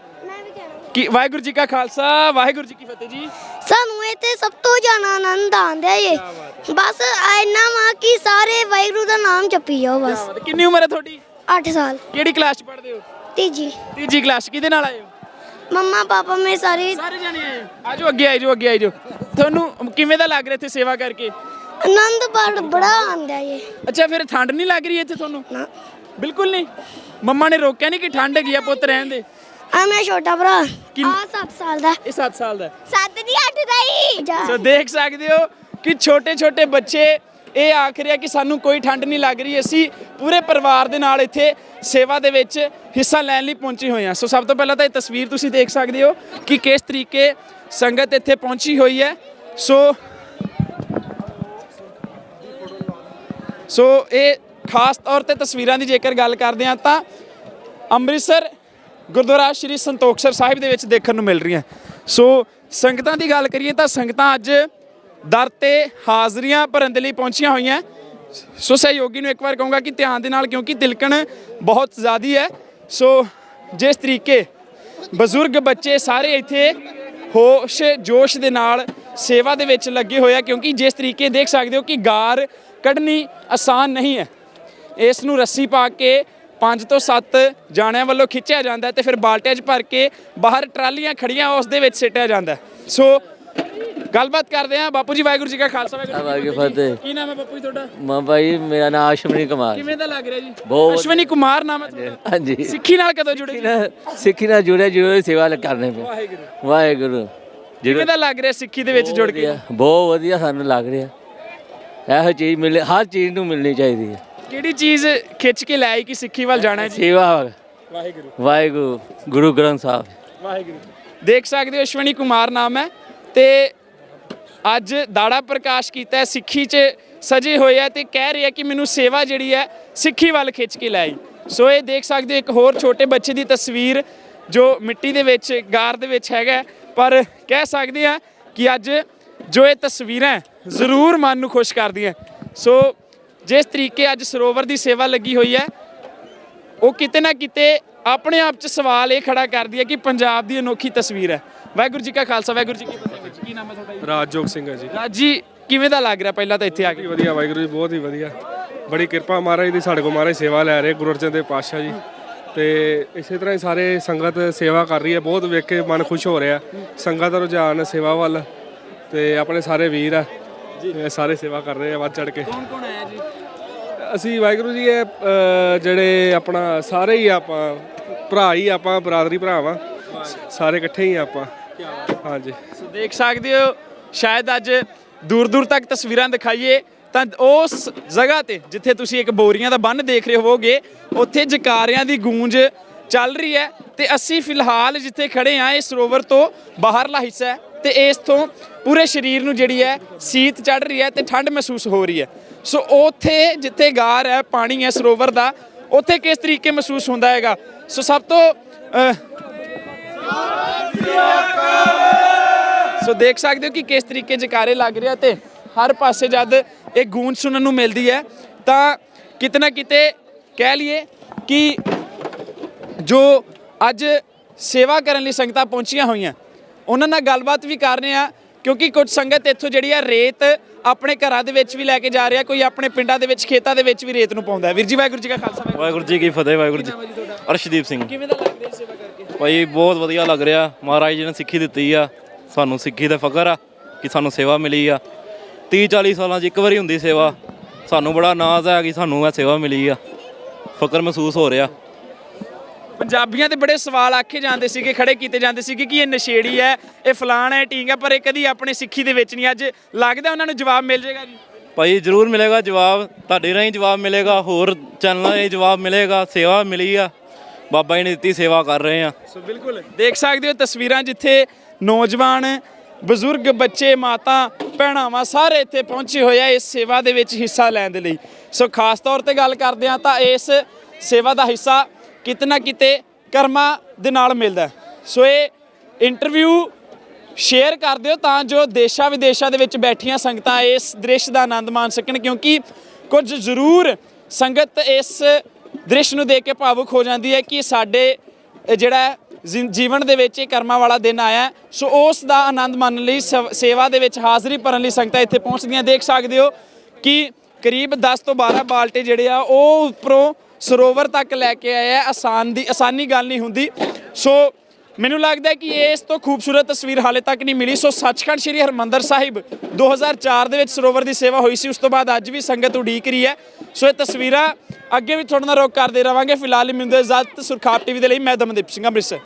C: ਕਿ ਵਾਹਿਗੁਰੂ ਜੀ ਕਾ ਖਾਲਸਾ ਵਾਹਿਗੁਰੂ ਜੀ ਕੀ ਫਤਿਹ ਜੀ।
K: ਸਾਨੂੰ ਇੱਥੇ ਸਭ ਤੋਂ ਜ਼ਿਆਦਾ ਆਨੰਦ ਆਉਂਦਾ ਏ। ਬਸ ਇੰਨਾ ਵਾ ਕਿ ਸਾਰੇ ਵਾਹਿਗੁਰੂ ਦਾ ਨਾਮ ਜਪੀ ਜਾਓ ਬਸ।
C: ਕਿੰਨੀ ਉਮਰ ਹੈ ਤੁਹਾਡੀ?
K: ਅੱਠ ਸਾਲ।
C: ਕਿਹੜੀ ਕਲਾਸ ਚ ਪੜ੍ਹਦੇ ਹੋ?
K: ਤੀਜੀ।
C: ਤੀਜੀ ਕਲਾਸ। ਕਿਹਦੇ ਨਾਲ ਆਏ ਹੋ?
K: ਮੰਮਾ ਪਾਪਾ ਮੇਰੇ ਸਾਰੇ
C: ਸਾਰੇ ਜਾਣੇ ਆਏ ਹੋ? ਆਜੋ ਅੱਗੇ ਆਜੋ ਅੱਗੇ ਆਜੋ। ਤੁਹਾਨੂੰ ਕਿਵੇਂ ਦਾ ਲੱਗ ਰਿਹਾ ਇੱਥੇ ਸੇਵਾ ਕਰਕੇ?
K: ਆਨੰਦ ਬੜ ਬੜਾ ਆਉਂਦਾ ਏ।
C: ਅੱਛਾ, ਫਿਰ ਠੰਡ ਨਹੀਂ ਲੱਗ ਰਹੀ ਇੱਥੇ ਤੁਹਾਨੂੰ?
K: ਨਾ,
C: ਬਿਲਕੁਲ ਨਹੀਂ। ਮੰਮਾ ਨੇ ਰੋਕਿਆ ਨਹੀਂ ਕਿ ਠੰਡ ਹੈਗੀ ਆ ਪੁੱਤ ਰਹਿਣ ਦੇ?
K: ਆ ਮੇਰਾ ਛੋਟਾ ਭਰਾ ਆ ਸੱਤ ਸਾਲ ਦਾ।
C: ਇਹ ਸੱਤ ਸਾਲ ਦਾ?
K: ਸੱਤ ਦੀ ਅੱਠ ਦਾ ਹੀ।
C: ਸੋ ਦੇਖ ਸਕਦੇ ਹੋ ਕਿ ਛੋਟੇ ਛੋਟੇ ਬੱਚੇ ਇਹ ਆਖ ਰਿਹਾ ਕਿ ਸਾਨੂੰ ਕੋਈ ਠੰਡ ਨਹੀਂ ਲੱਗ ਰਹੀ। ਅਸੀਂ ਪੂਰੇ ਪਰਿਵਾਰ ਦੇ ਨਾਲ ਇੱਥੇ ਸੇਵਾ ਦੇ ਵਿੱਚ ਹਿੱਸਾ ਲੈਣ ਲਈ ਪਹੁੰਚੇ ਹੋਏ ਹਾਂ। ਸੋ ਸਭ ਤੋਂ ਪਹਿਲਾਂ ਤਾਂ ਇਹ ਤਸਵੀਰ ਤੁਸੀਂ ਦੇਖ ਸਕਦੇ ਹੋ ਕਿ ਕਿਸ ਤਰੀਕੇ ਸੰਗਤ ਇੱਥੇ ਪਹੁੰਚੀ ਹੋਈ ਹੈ। ਸੋ ਸੋ ਇਹ ਖਾਸ ਤੌਰ ਤੇ ਤਸਵੀਰਾਂ ਦੀ ਜੇਕਰ ਗੱਲ ਕਰਦੇ ਹਾਂ ਤਾਂ ਅੰਮ੍ਰਿਤਸਰ ਗੁਰਦੁਆਰਾ ਸ਼੍ਰੀ ਸੰਤੋਖਸਰ ਸਾਹਿਬ ਦੇ ਵਿੱਚ ਦੇਖਣ ਨੂੰ ਮਿਲ ਰਹੀਆਂ। ਸੋ ਸੰਗਤਾਂ ਦੀ ਗੱਲ ਕਰੀਏ ਤਾਂ ਸੰਗਤਾਂ ਅੱਜ ਦਰ ਤੇ ਹਾਜ਼ਰੀਆਂ ਭਰਨ ਦੇ ਲਈ ਪਹੁੰਚੀਆਂ ਹੋਈਆਂ। ਸੋ ਸਹਿਯੋਗੀ ਨੂੰ ਇੱਕ ਵਾਰ ਕਹੂੰਗਾ ਕਿ ਧਿਆਨ ਦੇ ਨਾਲ, ਕਿਉਂਕਿ ਤਿਲਕਣ ਬਹੁਤ ਜ਼ਿਆਦੀ ਹੈ। ਸੋ ਜਿਸ ਤਰੀਕੇ ਬਜ਼ੁਰਗ, ਬੱਚੇ ਸਾਰੇ ਇੱਥੇ ਹੋਸ਼ ਜੋਸ਼ ਦੇ ਨਾਲ ਸੇਵਾ ਦੇ ਵਿੱਚ ਲੱਗੇ ਹੋਏ ਆ, ਕਿਉਂਕਿ ਜਿਸ ਤਰੀਕੇ ਦੇਖ ਸਕਦੇ ਹੋ ਕਿ ਗਾਰ ਕੱਢਣੀ ਆਸਾਨ ਨਹੀਂ ਹੈ। ਇਸ ਨੂੰ ਰੱਸੀ ਪਾ ਕੇ ਪੰਜ ਤੋਂ ਸੱਤ ਜਾਣਿਆਂ ਵੱਲੋਂ ਖਿੱਚਿਆ ਜਾਂਦਾ ਤੇ ਫਿਰ ਬਾਲਟਿਆਂ 'ਚ ਭਰ ਕੇ ਬਾਹਰ ਟਰਾਲੀਆਂ ਖੜੀਆਂ ਉਸ ਦੇ ਵਿੱਚ ਸਿੱਟਿਆ ਜਾਂਦਾ। ਸੋ ਗੱਲਬਾਤ ਕਰਦੇ ਹਾਂ। ਬਾਪੂ ਜੀ ਵਾਹਿਗੁਰੂ ਜੀ ਕਾ ਖਾਲਸਾ ਵਾਹਿਗੁਰੂ ਜੀ ਕੀ ਫਤਿਹ। ਕੀ ਨਾਮ ਹੈ ਬਾਪੂ ਜੀ ਤੁਹਾਡਾ?
G: ਮਾਂ ਭਾਈ ਮੇਰਾ ਨਾਮ ਅਸ਼ਵਨੀ ਕੁਮਾਰ।
C: ਕਿਵੇਂ ਦਾ ਲੱਗ ਰਿਹਾ ਜੀ?
G: ਬਹੁਤ
C: ਅਸ਼ਵਨੀ ਕੁਮਾਰ ਨਾਮ ਹੈ ਤੁਹਾਡਾ?
G: ਹਾਂਜੀ।
C: ਸਿੱਖੀ ਨਾਲ ਕਦੋਂ ਜੁੜੇ ਜੀ?
G: ਸਿੱਖੀ ਨਾਲ ਜੁੜੇ ਜੁੜੇ ਸੇਵਾ ਕਰਨੇ ਪਏ।
C: ਵਾਹਿਗੁਰੂ
G: ਵਾਹਿਗੁਰੂ।
C: ਕਿਵੇਂ ਦਾ ਲੱਗ ਰਿਹਾ ਸਿੱਖੀ ਦੇ ਵਿੱਚ ਜੁੜ ਕੇ?
G: ਬਹੁਤ ਵਧੀਆ ਸਾਨੂੰ ਲੱਗ ਰਿਹਾ। ਇਹੋ ਚੀਜ਼ ਮਿਲੇ, ਹਰ ਚੀਜ਼ ਨੂੰ ਮਿਲਣੀ ਚਾਹੀਦੀ ਹੈ।
C: ਕਿਹੜੀ ਚੀਜ਼ ਖਿੱਚ ਕੇ ਲੈ ਆਈ ਕਿ ਸਿੱਖੀ ਵੱਲ ਜਾਣਾ ਹੈ ਜੀ?
G: ਸੇਵਾ।
C: ਵਾਹਿਗੁਰੂ
G: ਵਾਹਿਗੁਰੂ। ਗੁਰੂ ਗ੍ਰੰਥ ਸਾਹਿਬ।
C: ਵਾਹਿਗੁਰੂ। ਦੇਖ ਸਕਦੇ ਹੋ ਅਸ਼ਵਨੀ ਕੁਮਾਰ ਨਾਮ ਹੈ ਤੇ ਅੱਜ ਦਾੜਾ ਪ੍ਰਕਾਸ਼ ਕੀਤਾ ਸਿੱਖੀ 'ਚ ਸਜੇ ਹੋਏ ਆ ਤੇ ਕਹਿ ਰਿਹਾ ਕਿ ਮੈਨੂੰ ਸੇਵਾ ਜਿਹੜੀ ਹੈ ਸਿੱਖੀ ਵੱਲ ਖਿੱਚ ਕੇ ਲੈ ਆਈ। ਸੋ ਇਹ ਦੇਖ ਸਕਦੇ ਹੋ ਇੱਕ ਹੋਰ ਛੋਟੇ ਬੱਚੇ ਦੀ ਤਸਵੀਰ ਜੋ ਮਿੱਟੀ ਦੇ ਵਿੱਚ ਗਾਰ ਦੇ ਵਿੱਚ ਹੈਗਾ, ਪਰ ਕਹਿ ਸਕਦੇ ਆ ਕਿ ਅੱਜ ਜੋ ਇਹ ਤਸਵੀਰਾਂ ਜ਼ਰੂਰ ਮਨ ਨੂੰ ਖੁਸ਼ ਕਰਦੀਆਂ। ਸੋ ਜਿਸ ਤਰੀਕੇ ਅੱਜ ਸਰੋਵਰ ਦੀ ਸੇਵਾ ਲੱਗੀ ਹੋਈ ਹੈ ਉਹ ਕਿਤੇ ਨਾ ਕਿਤੇ ਆਪਣੇ ਆਪ 'ਚ ਸਵਾਲ ਇਹ ਖੜਾ ਕਰਦੀ ਹੈ ਕਿ ਪੰਜਾਬ ਦੀ ਅਨੋਖੀ ਤਸਵੀਰ ਹੈ। ਵਾਹਿਗੁਰੂ ਜੀ ਕਾ ਖਾਲਸਾ ਵਾਹਿਗੁਰੂ ਜੀ ਕੀ ਫਤਿਹ। ਕੀ ਨਾਮ ਹੈ ਤੁਹਾਡਾ ਜੀ?
H: ਰਾਜਜੋਗ ਸਿੰਘ ਹੈ ਜੀ।
C: ਰਾਜ ਜੀ, ਕਿਵੇਂ ਦਾ ਲੱਗ ਰਿਹਾ ਪਹਿਲਾਂ ਤਾਂ ਇੱਥੇ ਆ ਕੇ?
H: ਵਧੀਆ ਵਾਹਿਗੁਰੂ ਜੀ, ਬਹੁਤ ਹੀ ਵਧੀਆ। ਬੜੀ ਕਿਰਪਾ ਮਹਾਰਾਜ ਦੀ, ਸਾਡੇ ਕੋਲ ਮਹਾਰਾਜ ਸੇਵਾ ਲੈ ਰਹੇ ਗੁਰੂ ਅਰਜਨ ਦੇਵ ਪਾਤਸ਼ਾਹ ਜੀ। ਤੇ ਇਸੇ ਤਰ੍ਹਾਂ ਹੀ ਸਾਰੇ ਸੰਗਤ ਸੇਵਾ ਕਰ ਰਹੀ ਹੈ, ਬਹੁਤ ਵੇਖ ਕੇ ਮਨ ਖੁਸ਼ ਹੋ ਰਿਹਾ। ਸੰਗਤ ਦਾ ਰੁਝਾਨ ਸੇਵਾ ਵੱਲ, ਤੇ ਆਪਣੇ ਸਾਰੇ ਵੀਰ ਆ ਇਹ ਸਾਰੇ ਸੇਵਾ ਕਰ ਰਹੇ ਆ ਵੱਧ ਚੜ ਕੇ।
C: ਕੌਣ ਕੌਣ ਆਇਆ ਜੀ?
H: ਅਸੀਂ ਵਾਹਿਗੁਰੂ ਜੀ ਇਹ ਅ, ਜਿਹੜੇ ਆਪਣਾ ਸਾਰੇ ਹੀ ਆਪਾਂ ਭਰਾ ਹੀ ਆਪਾਂ ਬਰਾਦਰੀ ਭਰਾ ਵਾਂ, ਸਾਰੇ ਇਕੱਠੇ ਹੀ ਆਪਾਂ। ਹਾਂਜੀ,
C: ਸੋ ਦੇਖ ਸਕਦੇ ਹੋ, ਸ਼ਾਇਦ ਅੱਜ ਦੂਰ ਦੂਰ ਤੱਕ ਤਸਵੀਰਾਂ ਦਿਖਾਈਏ ਤਾਂ ਉਸ ਜਗ੍ਹਾ ਤੇ ਜਿੱਥੇ ਤੁਸੀਂ ਇੱਕ ਬੋਰੀਆਂ ਦਾ ਬੰਨ੍ਹ ਦੇਖ ਰਹੇ ਹੋਵੋਗੇ, ਉੱਥੇ ਜਕਾਰਿਆਂ ਦੀ ਗੂੰਜ ਚੱਲ ਰਹੀ ਹੈ। ਤੇ ਅਸੀਂ ਫਿਲਹਾਲ ਜਿੱਥੇ ਖੜੇ ਆ ਇਹ ਸਰੋਵਰ ਤੋਂ ਬਾਹਰਲਾ ਹਿੱਸਾ ਹੈ, ਤੇ ਇਸ ਤੋਂ ਪੂਰੇ ਸਰੀਰ ਨੂੰ ਜਿਹੜੀ ਹੈ ਸੀਤ ਚੜ ਰਹੀ ਹੈ ਤੇ ਠੰਡ ਮਹਿਸੂਸ ਹੋ ਰਹੀ ਹੈ। ਸੋ ਉੱਥੇ ਜਿੱਥੇ ਗਾਰ ਹੈ, ਪਾਣੀ ਹੈ ਸਰੋਵਰ ਦਾ, ਉੱਥੇ ਕਿਸ ਤਰੀਕੇ ਮਹਿਸੂਸ ਹੁੰਦਾ ਹੈਗਾ। ਸੋ ਸਭ ਤੋਂ ਅਹ, ਸੋ ਦੇਖ ਸਕਦੇ ਹੋ ਕਿ ਕਿਸ ਤਰੀਕੇ ਜਕਾਰੇ ਲੱਗ ਰਿਹਾ, ਤੇ ਹਰ ਪਾਸੇ ਜਦ ਇਹ ਗੂੰਜ ਸੁਣਨ ਨੂੰ ਮਿਲਦੀ ਹੈ ਤਾਂ ਕਿਤੇ ਨਾ ਕਿਤੇ ਕਹਿ ਲਈਏ ਕਿ ਜੋ ਅੱਜ ਸੇਵਾ ਕਰਨ ਲਈ ਸੰਗਤਾਂ ਪਹੁੰਚੀਆਂ ਹੋਈਆਂ ਉਹਨਾਂ ਨਾਲ ਗੱਲਬਾਤ ਵੀ ਕਰ ਰਹੇ ਆ, ਕਿਉਂਕਿ ਕੁਝ ਸੰਗਤ ਇੱਥੋਂ ਜਿਹੜੀ ਆ ਰੇਤ ਆਪਣੇ ਘਰਾਂ ਦੇ ਵਿੱਚ ਵੀ ਲੈ ਕੇ ਜਾ ਰਿਹਾ, ਕੋਈ ਆਪਣੇ ਪਿੰਡਾਂ ਦੇ ਵਿੱਚ ਖੇਤਾਂ ਦੇ ਵਿੱਚ ਵੀ ਰੇਤ ਨੂੰ ਪਾਉਂਦਾ। ਵੀਰ ਜੀ ਵਾਹਿਗੁਰੂ ਜੀ ਕਾ ਖਾਲਸਾ
G: ਵਾਹਿਗੁਰੂ ਜੀ ਕੀ ਫਤਿਹ। ਵਾਹਿਗੁਰੂ ਜੀ। ਅਰਸ਼ਦੀਪ ਸਿੰਘ।
C: ਕਿਵੇਂ ਦਾ ਲੱਗ ਰਿਹਾ ਸੇਵਾ ਕਰਕੇ?
G: ਭਾਈ ਬਹੁਤ ਵਧੀਆ ਲੱਗ ਰਿਹਾ, ਮਹਾਰਾਜ ਜੀ ਨੇ ਸਿੱਖੀ ਦਿੱਤੀ ਆ ਸਾਨੂੰ, ਸਿੱਖੀ ਦਾ ਫਕਰ ਆ ਕਿ ਸਾਨੂੰ ਸੇਵਾ ਮਿਲੀ ਆ। ਤੀਹ ਚਾਲੀ ਸਾਲਾਂ 'ਚ ਇੱਕ ਵਾਰੀ ਹੁੰਦੀ ਸੇਵਾ, ਸਾਨੂੰ ਬੜਾ ਨਾਜ਼ ਹੈ ਕਿ ਸਾਨੂੰ ਇਹ ਸੇਵਾ ਮਿਲੀ ਆ, ਫਕਰ ਮਹਿਸੂਸ ਹੋ ਰਿਹਾ।
C: ਪੰਜਾਬੀਆਂ ਦੇ ਬੜੇ ਸਵਾਲ ਆਖੇ ਜਾਂਦੇ ਸੀਗੇ, ਖੜੇ ਕੀਤੇ ਜਾਂਦੇ ਸੀਗੇ ਕਿ ਇਹ ਨਸ਼ੇੜੀ ਹੈ, ਇਹ ਫਲਾਣ ਹੈ, ਢੀਂਗ ਹੈ, ਪਰ ਇਹ ਕਦੀ ਆਪਣੇ ਸਿੱਖੀ ਦੇ ਵਿੱਚ ਨਹੀਂ। ਅੱਜ ਲੱਗਦਾ ਉਹਨਾਂ ਨੂੰ ਜਵਾਬ ਮਿਲ ਜਾਏਗਾ ਜੀ?
G: ਭਾਈ ਜ਼ਰੂਰ ਮਿਲੇਗਾ ਜਵਾਬ, ਤੁਹਾਡੇ ਰਾਹੀਂ ਜਵਾਬ ਮਿਲੇਗਾ, ਹੋਰ ਚੈਨਲਾਂ 'ਤੇ ਜਵਾਬ ਮਿਲੇਗਾ। ਸੇਵਾ ਮਿਲੀ ਆ, ਬਾਬਾ ਜੀ ਨੇ ਦਿੱਤੀ, ਸੇਵਾ ਕਰ ਰਹੇ ਆ।
C: ਸੋ ਬਿਲਕੁਲ ਦੇਖ ਸਕਦੇ ਹੋ ਤਸਵੀਰਾਂ, ਜਿੱਥੇ ਨੌਜਵਾਨ, ਬਜ਼ੁਰਗ, ਬੱਚੇ, ਮਾਤਾ, ਭੈਣਾਵਾਂ ਸਾਰੇ ਇੱਥੇ ਪਹੁੰਚੇ ਹੋਏ ਆ ਇਸ ਸੇਵਾ ਦੇ ਵਿੱਚ ਹਿੱਸਾ ਲੈਣ ਦੇ ਲਈ। ਸੋ ਖਾਸ ਤੌਰ ਤੇ ਗੱਲ ਕਰਦੇ ਹਾਂ ਤਾਂ ਇਸ ਸੇਵਾ ਦਾ ਹਿੱਸਾ ਕਿਤੇ ਨਾ ਕਿਤੇ ਕਰਮਾਂ ਦੇ ਨਾਲ ਮਿਲਦਾ। ਸੋ ਇਹ ਇੰਟਰਵਿਊ ਸ਼ੇਅਰ ਕਰ ਦਿਓ ਤਾਂ ਜੋ ਦੇਸ਼ਾਂ ਵਿਦੇਸ਼ਾਂ ਦੇ ਵਿੱਚ ਬੈਠੀਆਂ ਸੰਗਤਾਂ ਇਸ ਦ੍ਰਿਸ਼ ਦਾ ਆਨੰਦ ਮਾਣ ਸਕਣ, ਕਿਉਂਕਿ ਕੁਝ ਜ਼ਰੂਰ ਸੰਗਤ ਇਸ ਦ੍ਰਿਸ਼ ਨੂੰ ਦੇਖ ਕੇ ਭਾਵੁਕ ਹੋ ਜਾਂਦੀ ਹੈ ਕਿ ਸਾਡੇ ਜਿਹੜਾ ਜੀਵਨ ਦੇ ਵਿੱਚ ਇਹ ਕਰਮਾਂ ਵਾਲਾ ਦਿਨ ਆਇਆ। ਸੋ ਉਸ ਦਾ ਆਨੰਦ ਮਾਣਨ ਲਈ ਸੇਵਾ ਦੇ ਵਿੱਚ ਹਾਜ਼ਰੀ ਭਰਨ ਲਈ ਸੰਗਤਾਂ ਇੱਥੇ ਪਹੁੰਚਦੀਆਂ। ਦੇਖ ਸਕਦੇ ਹੋ ਕਿ ਕਰੀਬ ਦਸ ਤੋਂ ਬਾਰਾਂ ਬਾਲਟੇ ਜਿਹੜੇ ਆ ਉਹ ਉੱਪਰੋਂ ਸਰੋਵਰ ਤੱਕ ਲੈ ਕੇ ਆਏ ਆ। ਆਸਾਨ ਦੀ ਆਸਾਨੀ ਗੱਲ ਨਹੀਂ ਹੁੰਦੀ। ਸੋ ਮੈਨੂੰ ਲੱਗਦਾ ਕਿ ਇਸ ਤੋਂ ਖੂਬਸੂਰਤ ਤਸਵੀਰ ਹਾਲੇ ਤੱਕ ਨਹੀਂ ਮਿਲੀ। ਸੋ ਸੱਚਖੰਡ ਸ੍ਰੀ ਹਰਿਮੰਦਰ ਸਾਹਿਬ ਦੋ ਹਜ਼ਾਰ ਚਾਰ ਦੇ ਵਿੱਚ ਸਰੋਵਰ ਦੀ ਸੇਵਾ ਹੋਈ ਸੀ, ਉਸ ਤੋਂ ਬਾਅਦ ਅੱਜ ਵੀ ਸੰਗਤ ਉਡੀਕ ਰਹੀ ਹੈ। ਸੋ ਇਹ ਤਸਵੀਰਾਂ ਅੱਗੇ ਵੀ ਤੁਹਾਡੇ ਨਾਲ ਰੋਕ ਕਰਦੇ ਰਵਾਂਗੇ। ਫਿਲਹਾਲ ਮਿਲਦੇ ਇਜਾਜ਼ਤ। ਸੁਰਖਾਬ ਟੀਵੀ ਦੇ ਲਈ ਮੈਂ ਦਮਨਦੀਪ ਸਿੰਘ, ਅੰਮ੍ਰਿਤਸਰ।